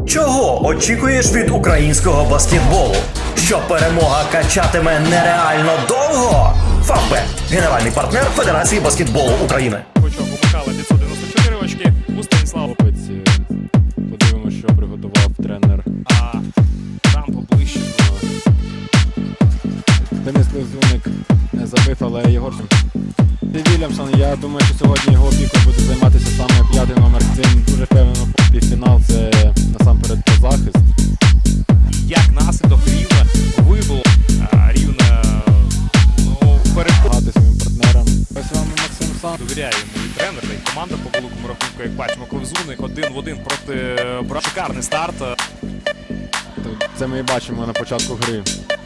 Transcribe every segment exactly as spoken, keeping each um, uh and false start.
Чого очікуєш від українського баскетболу? Що перемога качатиме нереально довго? Фавбет – генеральний партнер Федерації баскетболу України. Почав Михайла п'ятсот дев'яносто чотири очки, у Станіслава. Подивимося, що приготував тренер. А там поближче. Денис Лизуник не забив, але Єгор Вільямсон, я думаю, що сьогодні його опікою буде займатися саме п'ятий номер. Він дуже впевнено півфінал, це насамперед про захист. Як наслідок Рівне вибуло, Рівне ну, перепогати своїм партнерам. Ось вам Максим Сан. Довіряє йому і тренер, та й команда по великому рахунку, як бачимо, Клевзуник один в один проти Бра. Шикарний старт. Це ми і бачимо на початку гри.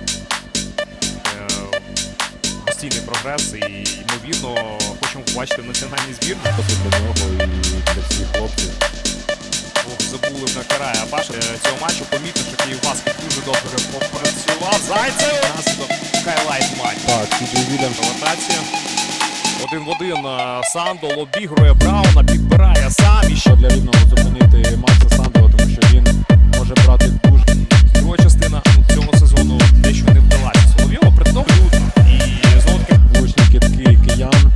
Постійний прогрес і, ймовірно, хочемо побачити національний збір. Досить для нього і для всіх хлопців. Ох, забули на карає Абаша цього матчу. Помітно, що Київбаскет дуже добре попрацював. Зайцев! Наслідок хайлайт матч. Так, Сіджей Вільямсон. Ротація. Один в один Сандол обігрує Брауна, підбирає сам. І ще для Рівного зупинити Макса Сандола, тому що він може брати дуже. Друга частина цього сезону дещо не вдалася. Соловйова при тому і знову таки влучні кидки киян.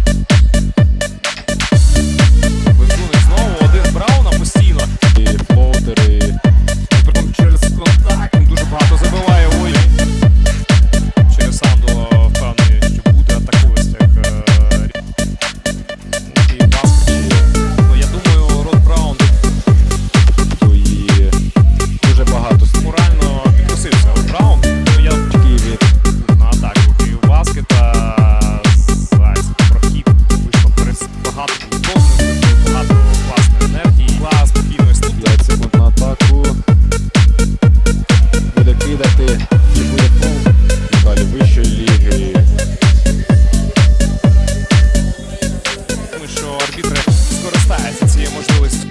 Клевзуник знову один Брауна постійно. І флоутери. Притом через контакт він дуже багато забиває. Ой. Через Сандола впевнений, що буде атакуватися Київбаскет. Ну, я думаю, Род Браун І дуже багато морально підкосився. Род Браун. Ну, я в Києві. на атаку Київбаскета. Зайцев прохід. Вийшло перес багато повторних, багато класної енергії. Клас, спокійної студії. п'ять секунд на атаку. Буде кидати і буде пол. Далі вищої ліги. Думаю, що арбітри скористаються цією можливістю.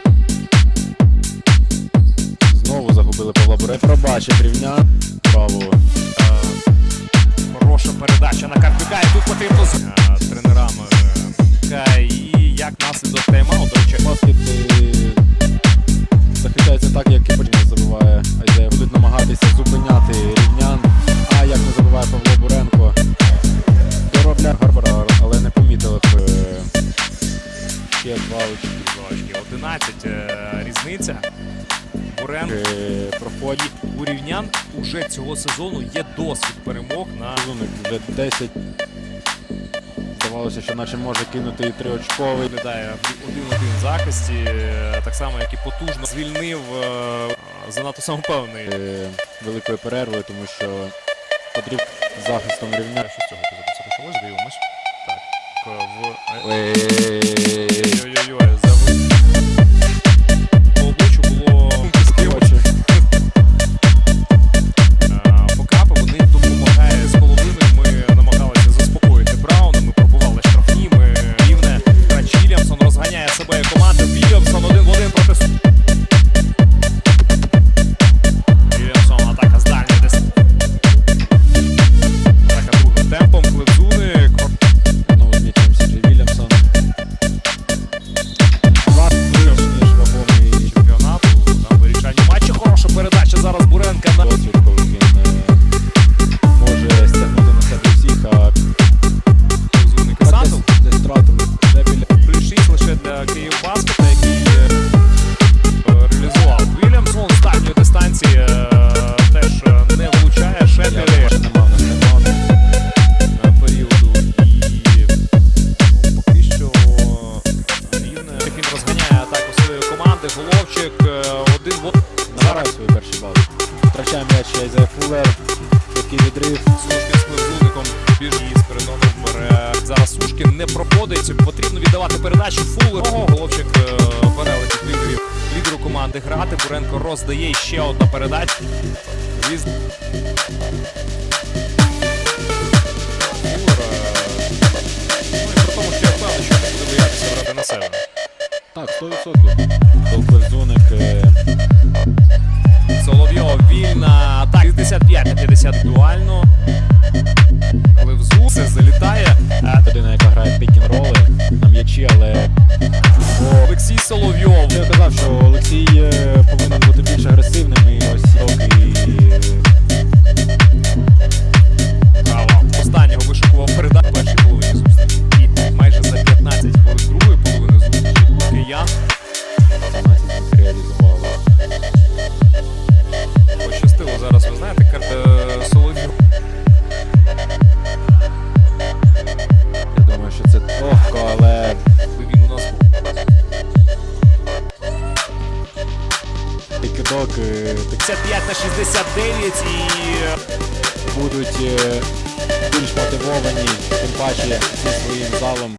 Знову загубили Павла Буре. Пробачить Рівнян. Право. Е, Хороша передача на Карпюка. І тут потрібно з е, тренерами. Е, І як наслідок тайм-ауту, до речі, Баскет е, захищається так, як і потім забиває Айзея. Будуть намагатися зупиняти Рівнян. А як не забиває Павло Буренко. Доробляє Гарбара, але не помітили. Е, Ще два очки. очки. одинадцять е, різниця. Бурен Е, Проходить. у Рівнян уже цього сезону є досвід перемог на Лизуник вже десять. Здавалося, що наче може кинути і триочковий. виглядає в один-один захисті, е, так само, як і потужно звільнив е, занадто самопевний. Е, Великою перервою, тому що потрібно захистом Рівня. Що з цього епізоду це почалось? Дивимось. Так, к- в... Е, Ой-ой-ой, за по обличчю було Очі. покапи, вони допомагають з половиною. Ми намагалися заспокоїти Брауна, ми пробували штрафні, ми Рівне. Грач Вільямсон розганяє себе і команду. Вільямсон один в один проти Су. Вільямсон, атака з дальньої десь. Атака другим темпом, Клевзуник. Знову з м'ячем Сіджей Вільямсон. Два більш ніж вагомий Чемпіонату на вирішальні матчі. Хороша передача зараз Буренка на досвід, коли він е, може стягнути на себе всіх, а Клевзуник і Сандл. десь, десь втратили вже біля. Плюс шість лише для Київбаскета, який е, реалізував. Вільямсон з дальньої дистанції е, теж е, не влучає. Ще Я три думаю, що нема в нас немає. е, періоду. І ну, поки що Рівне. Як він розганяє атаку своєї команди. Головчик е, один в один. Набирає свої перші бали. Втрачає м'яч Айзея Фуллер. Такий відрив. Сушкін з Клевзуником біжить з передоном бере. Зараз Сушкін не проходить. Потрібно віддавати передачу Фуллеру. Головчик е, бере летить лідерів. Лідеру команди грати. Буренко роздає і ще одна передача. Віз... Фуллер. е, Ну і при тому, що я впевнений, що не буде боятися грати на себе. Так, сто відсотків. Клевзуник. е, Соловйов вільна. Так, шістдесят п'ять на п'ятдесят дуально. Клевзу. Це залітає. Е, Людина, яка грає пік-н-роли на м'ячі, але Олексій Соловйов. я казав, що Олексій повинен бути більше кидок е, так п'ятдесят п'ять на шістдесят дев'ять і будуть е, більш мотивовані, тим паче зі своїм залом.